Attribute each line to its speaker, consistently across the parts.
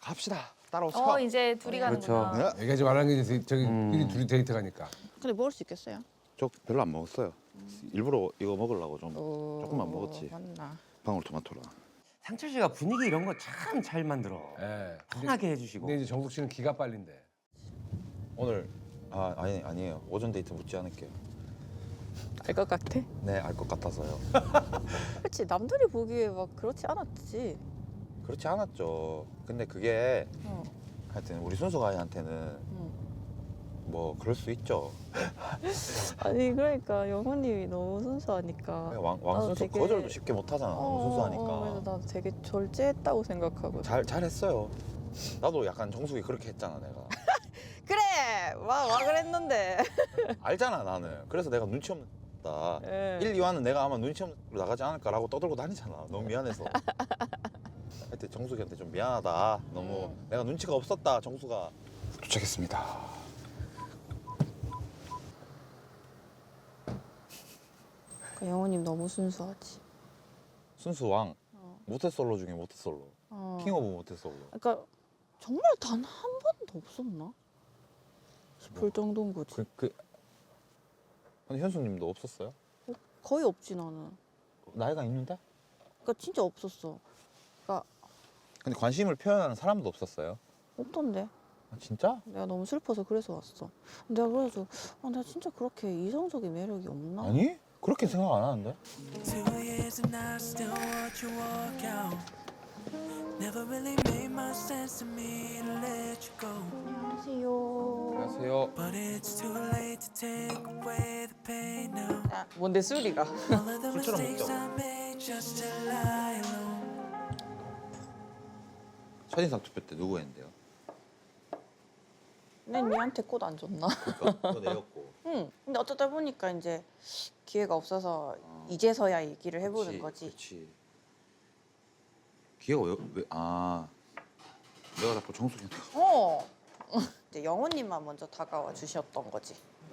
Speaker 1: 합시다. 따라오세요.
Speaker 2: 이제 둘이 가는구나.
Speaker 1: 네.
Speaker 3: 얘기하지 말라는 게 이제 저기 둘이 데이트 가니까.
Speaker 4: 근데 먹을 수 있겠어요?
Speaker 1: 저 별로 안 먹었어요. 일부러 이거 먹으려고 좀 조금만 먹었지.
Speaker 4: 맞나?
Speaker 1: 방울토마토랑.
Speaker 5: 상철 씨가 분위기 이런 거 참 잘 만들어.
Speaker 3: 예.
Speaker 5: 편하게 해주시고.
Speaker 3: 근데 이제 정숙 씨는 기가 빨린데.
Speaker 1: 오늘 아니에요. 오전 데이트 묻지 않을게요.
Speaker 4: 알 것 같아?
Speaker 1: 네, 알 것 같아서요.
Speaker 4: 그렇지 남들이 보기에 막 그렇지 않았지.
Speaker 1: 그렇지 않았죠. 근데 그게
Speaker 4: 어.
Speaker 1: 하여튼 우리 순수 가이한테는 뭐 그럴 수 있죠.
Speaker 4: 아니 그러니까 영호님이 너무 순수하니까.
Speaker 1: 왕순수
Speaker 4: 되게-
Speaker 1: 거절도 쉽게 못 하잖아. 너무 순수하니까.
Speaker 4: 그래서 나도 되게 절제했다고 생각하고.
Speaker 1: 잘했어요. 나도 약간 정숙이 그렇게 했잖아, 내가.
Speaker 4: 그래 와 그랬는데.
Speaker 1: 알잖아, 나는. 그래서 내가 눈치 없다.
Speaker 4: 예.
Speaker 1: 1, 2화는 내가 아마 눈치 없는 나가지 않을까라고 떠들고 다니잖아. 너무 미안해서. 하여튼 정숙이한테 좀 미안하다. 너무 내가 눈치가 없었다, 정숙아. 도착했습니다.
Speaker 4: 영호님 너무 순수하지.
Speaker 1: 순수왕. 모태솔로 중에 모태솔로. 킹 오브 모태솔로.
Speaker 4: 그러니까 정말 단 한 번도 없었나 싶을 정도인 거지.
Speaker 1: 근데 현수님도 없었어요?
Speaker 4: 거의 없지 나는.
Speaker 1: 나이가 있는데?
Speaker 4: 그러니까 진짜 없었어. 그러니까
Speaker 1: 근데 관심을 표현하는 사람도 없었어요?
Speaker 4: 없던데.
Speaker 1: 아, 진짜?
Speaker 4: 내가 너무 슬퍼서 그래서 왔어. 내가 그래가지고 내가 진짜 그렇게 이성적인 매력이 없나?
Speaker 1: 아니? 그렇게 생각 안 하는데?
Speaker 6: 2 years and I still watch you walk out. Never really made much sense to me to let you go.
Speaker 4: 안녕하세요.
Speaker 1: 안녕하세요.
Speaker 6: But it's too late to take away the pain now.
Speaker 4: 뭔데 수리가?
Speaker 6: All of the
Speaker 1: 술처럼
Speaker 6: mistakes
Speaker 1: 먹자고.
Speaker 6: I made just to lie alone.
Speaker 1: 첫인상 투표 때 누구 했는데요?
Speaker 4: 난 니한테 꽃 안 줬나?
Speaker 1: 그거 내였고.
Speaker 4: 응. 근데 어쩌다 보니까 이제 기회가 없어서 이제서야 얘기를 해보는 거지.
Speaker 1: 그렇지. 기회가 내가 자꾸 정숙이한테
Speaker 4: 어. 이제 영호님만 먼저 다가와 주셨던 거지.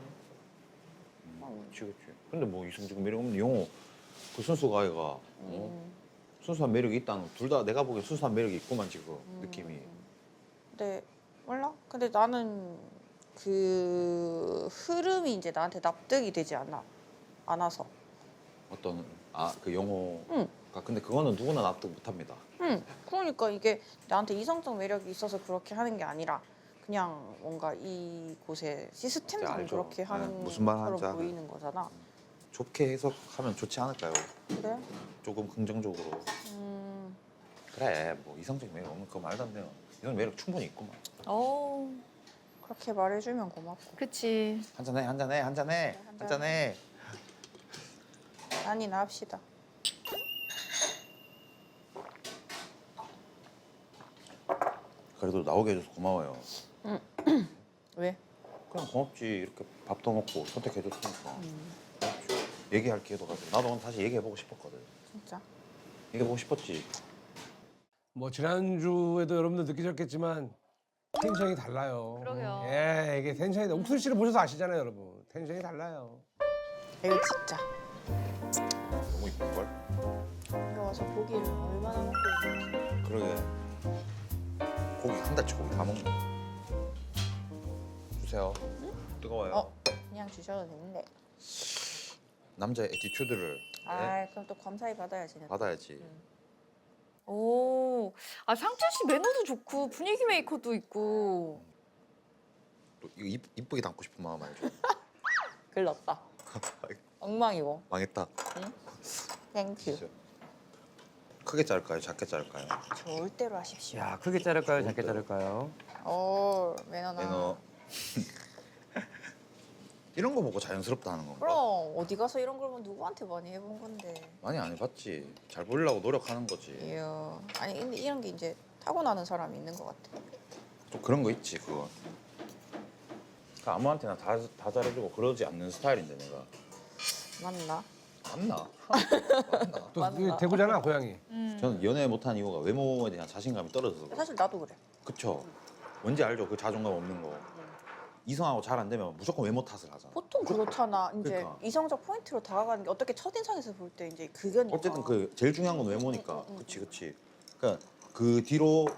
Speaker 1: 그렇지. 근데 뭐 이성적 매력 없는 영호 그 순수가 아이가 순수한 매력이 있다는 둘 다 내가 보기엔 순수한 매력이 있구만 지금 느낌이.
Speaker 4: 근데 몰라? 근데 나는 그 흐름이 이제 나한테 납득이 되지 않아서.
Speaker 1: 어떤 그 영호가
Speaker 4: 응.
Speaker 1: 근데 그거는 누구나 납득 못합니다.
Speaker 4: 응. 그러니까 이게 나한테 이성적 매력이 있어서 그렇게 하는 게 아니라 그냥 뭔가 이곳의 시스템상
Speaker 1: 알죠.
Speaker 4: 그렇게 하는
Speaker 1: 네, 무슨 말 하는지
Speaker 4: 것처럼
Speaker 1: 알아요.
Speaker 4: 보이는 거잖아.
Speaker 1: 좋게 해석하면 좋지 않을까요?
Speaker 4: 그래?
Speaker 1: 조금 긍정적으로. 그래 뭐 이성적 매력 없는 거 말도 안 돼요. 이런 매력 충분히 있구만.
Speaker 4: 그렇게 말해주면 고맙고.
Speaker 2: 그치.
Speaker 1: 한잔해.
Speaker 4: 아니나 합시다.
Speaker 1: 그래도 나오게 해줘서 고마워요.
Speaker 4: 왜?
Speaker 1: 그냥 고맙지. 이렇게 밥도 먹고 선택해줬으니까. 고맙죠. 얘기할 기회도 가지고. 나도 오늘 다시 얘기해보고 싶었거든.
Speaker 4: 진짜?
Speaker 1: 얘기해보고 싶었지.
Speaker 3: 뭐 지난주에도 여러분들 느끼셨겠지만 텐션이 달라요.
Speaker 2: 그러게요.
Speaker 3: 예, 이게 텐션이 옥순 씨를 보셔서 아시잖아요, 여러분. 텐션이 달라요.
Speaker 4: 이거 진짜.
Speaker 1: 너무 이쁜걸?
Speaker 4: 여기 와서 고기를 얼마나 먹고 있는지.
Speaker 1: 그러게. 고기 한 달치 고기 다 먹네. 주세요. 뜨거워요.
Speaker 4: 그냥 주셔도 되는데.
Speaker 1: 남자의 애티튜드를 네,
Speaker 4: 그럼 또 감사히 받아야지. 내가.
Speaker 1: 받아야지.
Speaker 2: 상철 씨 매너도 좋고 분위기 메이커도 있고.
Speaker 1: 또 이거 이쁘게 담고 싶은 마음 알죠?
Speaker 4: 글렀다. 엉망이고.
Speaker 1: 망했다.
Speaker 4: 땡큐.
Speaker 1: 진짜. 크게 자를까요? 작게 자를까요?
Speaker 4: 좋을 대로 하십시오.
Speaker 5: 야, 크게 자를까요? 작게 자를까요?
Speaker 4: 매너나.
Speaker 1: 매너. 이런 거 보고 자연스럽다 하는 건가?
Speaker 4: 그럼 어디 가서 이런 걸 보면 누구한테 많이 해본 건데.
Speaker 1: 많이 안 해봤지. 잘 보이려고 노력하는 거지.
Speaker 4: 이야. 아니 근데 이런 게 이제 타고나는 사람이 있는 것 같아.
Speaker 1: 좀 그런 거 있지 그거. 그러니까 아무한테나 다 잘해주고 그러지 않는 스타일인데 내가.
Speaker 4: 맞나?
Speaker 1: 맞나? 맞나?
Speaker 3: 또
Speaker 4: 맞나?
Speaker 3: 대구잖아, 고향이.
Speaker 1: 저는 연애 못한 이유가 외모에 대한 자신감이 떨어져서 그래요.
Speaker 4: 사실 나도 그래.
Speaker 1: 그쵸? 뭔지 알죠? 그 자존감 없는 거. 이성하고 잘 안 되면 무조건 외모 탓을 하잖아.
Speaker 4: 보통 그렇잖아. 이제
Speaker 1: 그러니까.
Speaker 4: 이성적 포인트로 다가가는 게 어떻게 첫인상에서 볼 때 이제 그거니까.
Speaker 1: 어쨌든 그 제일 중요한 건 외모니까. 그치. 그러니까 그 뒤로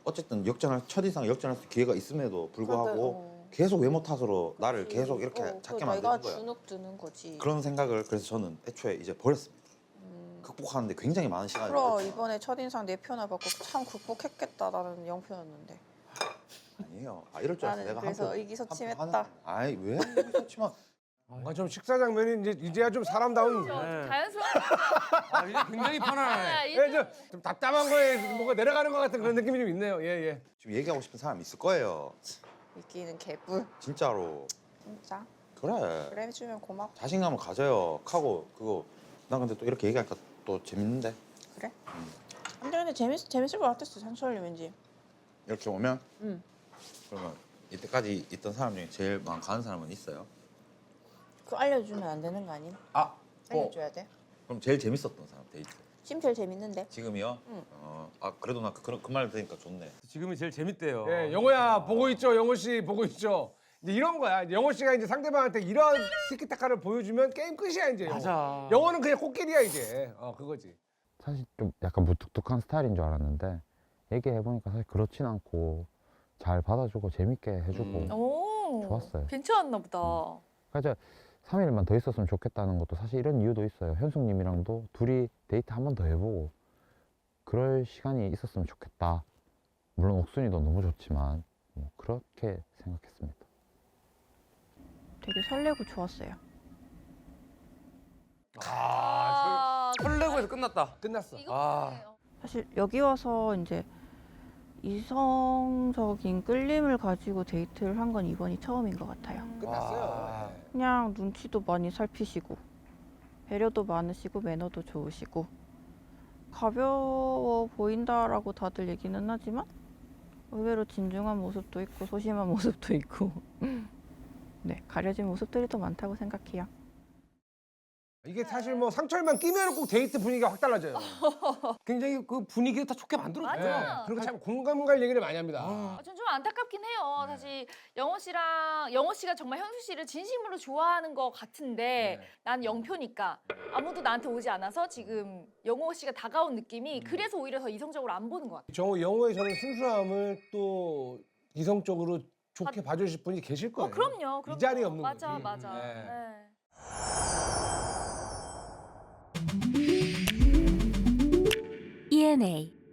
Speaker 1: 어쨌든 첫인상 역전할 수 기회가 있음에도 불구하고 계속 외모 탓으로 나를 계속 이렇게 작게
Speaker 4: 내가
Speaker 1: 만드는 거야.
Speaker 4: 주눅 드는 거지.
Speaker 1: 그런 생각을 그래서 저는 애초에 이제 버렸습니다. 극복하는데 굉장히 많은 시간이
Speaker 4: 그럼
Speaker 1: 걸렸죠.
Speaker 4: 이번에 첫인상 4표나 받고 참 극복했겠다. 나는 0표였는데.
Speaker 1: 아니에요. 이럴 줄 알았어.
Speaker 4: 나는
Speaker 1: 내가
Speaker 4: 그래서
Speaker 1: 한
Speaker 4: 의기소침했다.
Speaker 1: 아이 왜 의기소침한?
Speaker 3: 뭔가 좀 식사 장면이 이제야 좀 사람다운.
Speaker 2: 자연스러운.
Speaker 5: 아, 이제 굉장히 편안하네.
Speaker 3: 예, 좀 답답한 거에 뭔가 내려가는 것 같은 그런 느낌이 좀 있네요. 예, 예.
Speaker 1: 지금 얘기하고 싶은 사람 있을 거예요.
Speaker 4: 이끼는 개뿔.
Speaker 1: 진짜로.
Speaker 4: 진짜.
Speaker 1: 그래.
Speaker 4: 그래 해주면 고맙고.
Speaker 1: 자신감을 가져요. 하고 그거 나 근데 또 이렇게 얘기하니까 또 재밌는데
Speaker 4: 그래? 근데 재밌을 것 같았어. 상철이 왠지.
Speaker 1: 이렇게 오면
Speaker 4: 응.
Speaker 1: 그러면 이때까지 있던 사람 중에 제일 마음 가는 사람은 있어요?
Speaker 4: 그거 알려주면 안 되는 거 아님?
Speaker 3: 아,
Speaker 4: 알려줘야 돼.
Speaker 1: 그럼 제일 재밌었던 사람 데이트
Speaker 4: 지금 제일 재밌는데.
Speaker 1: 지금이요?
Speaker 4: 응.
Speaker 1: 그래도 나 그 말 들으니까 좋네.
Speaker 5: 지금이 제일 재밌대요.
Speaker 3: 예, 영호야 보고 있죠, 영호 씨 보고 있죠. 이제 이런 거야. 이제 영호 씨가 이제 상대방한테 이런 티키타카를 보여주면 게임 끝이야 이제.
Speaker 5: 맞아.
Speaker 3: 영호는 그냥 꽃길이야 이제. 그거지.
Speaker 7: 사실 좀 약간 무뚝뚝한 스타일인 줄 알았는데 얘기해보니까 사실 그렇진 않고 잘 받아주고 재밌게 해주고
Speaker 2: 오.
Speaker 7: 좋았어요.
Speaker 2: 괜찮았나 보다.
Speaker 7: 그러니까 3일만 더 있었으면 좋겠다는 것도 사실 이런 이유도 있어요. 현숙님이랑도 둘이 데이트 한 번 더 해보고 그럴 시간이 있었으면 좋겠다. 물론 옥순이도 너무 좋지만 뭐 그렇게 생각했습니다.
Speaker 4: 되게 설레고 좋았어요.
Speaker 5: 설레고 해서 끝났다.
Speaker 3: 끝났어.
Speaker 5: 아.
Speaker 4: 사실 여기 와서 이제 이성적인 끌림을 가지고 데이트를 한 건 이번이 처음인 것 같아요.
Speaker 3: 끝났어요.
Speaker 5: 와.
Speaker 4: 그냥 눈치도 많이 살피시고 배려도 많으시고 매너도 좋으시고 가벼워 보인다라고 다들 얘기는 하지만 의외로 진중한 모습도 있고 소심한 모습도 있고 네, 가려진 모습들이 더 많다고 생각해요.
Speaker 3: 이게 사실 뭐 상철만 끼면 꼭 데이트 분위기가 확 달라져요.
Speaker 5: 굉장히 그 분위기를 다 좋게 만들어줘요.
Speaker 2: 맞아.
Speaker 3: 예, 그리고 참 공감 갈 얘기를 많이 합니다.
Speaker 2: 전 좀 안타깝긴 해요. 사실 영호 씨가 정말 현수 씨를 진심으로 좋아하는 것 같은데 난 0표니까 아무도 나한테 오지 않아서 지금 영호 씨가 다가온 느낌이 그래서 오히려 더 이성적으로 안 보는 것 같아요.
Speaker 3: 영호의 저는 순수함을 또 이성적으로 좋게 봐주실 분이 계실 거예요.
Speaker 2: 그럼요.
Speaker 3: 이 자리에 없는
Speaker 2: 맞아,
Speaker 3: 거지.
Speaker 2: 맞아.
Speaker 3: 네.
Speaker 2: 네.
Speaker 8: ENA